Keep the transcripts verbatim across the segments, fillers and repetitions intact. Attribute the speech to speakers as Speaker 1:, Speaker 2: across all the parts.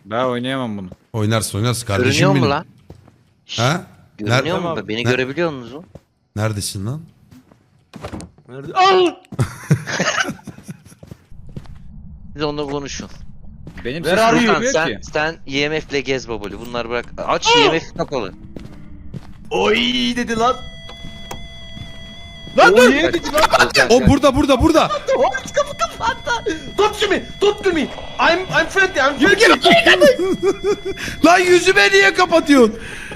Speaker 1: Ben oynayamam bunu.
Speaker 2: Oynarsın oynarsın kardeşim
Speaker 3: Görünüyor
Speaker 2: benim.
Speaker 3: mu lan?
Speaker 2: Ha?
Speaker 3: Görünüyor
Speaker 2: Nerede?
Speaker 3: mu? Beni
Speaker 2: Ne-
Speaker 3: görebiliyor musunuz?
Speaker 2: Neredesin lan?
Speaker 4: Nerede? Al!
Speaker 3: Siz onunla konuşun.
Speaker 1: Benim
Speaker 4: Ver
Speaker 1: sesim
Speaker 4: arıyor.
Speaker 1: duymuyor
Speaker 3: Sen,
Speaker 1: ki.
Speaker 3: sen E M F'le gez babali. Bunları bırak. Aç E M F kapalı.
Speaker 4: Oy dedi lan. Lan dur.
Speaker 3: Gel,
Speaker 4: Dedi lan.
Speaker 3: gel,
Speaker 2: O
Speaker 3: gel.
Speaker 2: burada burada burada.
Speaker 4: What? Kapı kapattı. Tut to me. Tut to me. I'm I'm friendly. I'm friendly.
Speaker 2: Lan yüzüme niye kapatıyorsun?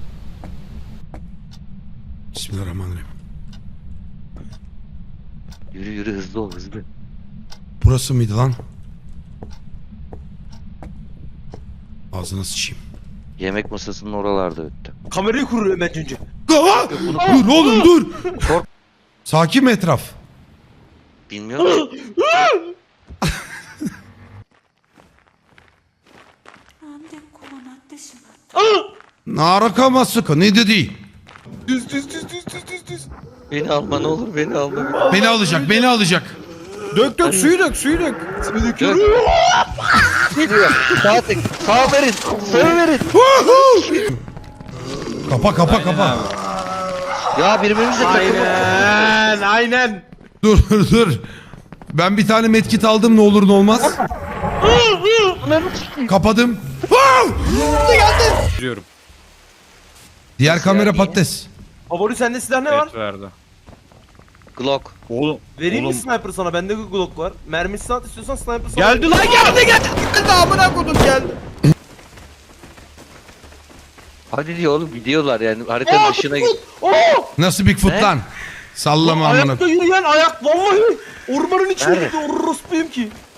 Speaker 2: Bismillahirrahmanirrahim.
Speaker 3: Yürü yürü hızlı ol hızlı.
Speaker 2: Burası mıydı lan? Ağzına sıçayım.
Speaker 3: Yemek masasının oralarda öttü.
Speaker 4: Kamerayı kurur hemen önce.
Speaker 2: Aa! Dur oğlum dur.
Speaker 3: Kork-
Speaker 2: Sakin mi etraf?
Speaker 3: Bilmiyorum.
Speaker 5: なんでこうなってしまった
Speaker 2: Naraka sıkı ne dedi?
Speaker 4: Düz düz düz düz düz düz düz.
Speaker 3: Beni alma ne olur beni alma.
Speaker 2: Beni alacak beni alacak.
Speaker 1: Dök dök suyu dök suyu dök.
Speaker 4: Seni döküyorum.
Speaker 3: Geliyor. Sağ tek. Sağ verin. Sağ verin.
Speaker 2: Kapa kapa kapa.
Speaker 3: Ya birbirimizle takılma.
Speaker 4: Aynen. Aynen.
Speaker 2: Dur dur dur. Ben bir tane medkit aldım ne olur ne olmaz. Kapadım.
Speaker 1: Diyorum.
Speaker 2: Diğer kamera patates.
Speaker 4: Favori sende silah ne var?
Speaker 1: Evet verdi.
Speaker 3: Glock.
Speaker 1: Oğlum.
Speaker 4: Vereyim mi
Speaker 1: oğlum.
Speaker 4: sniper sana? Bende Glock var. Mermisi at istiyorsan sniper sana.
Speaker 1: Geldi lan geldi geldi. Geldi amına kodum geldi.
Speaker 3: Hadi diyor oğlum gidiyorlar yani haritanın dışına git.
Speaker 4: Oo!
Speaker 2: Nasıl Bigfoot
Speaker 3: Ne?
Speaker 2: lan? Sallama amına.
Speaker 4: Ayakta yürüyen ayak vallahi ormanın içinde
Speaker 3: Nerede?
Speaker 4: orospuyum ki.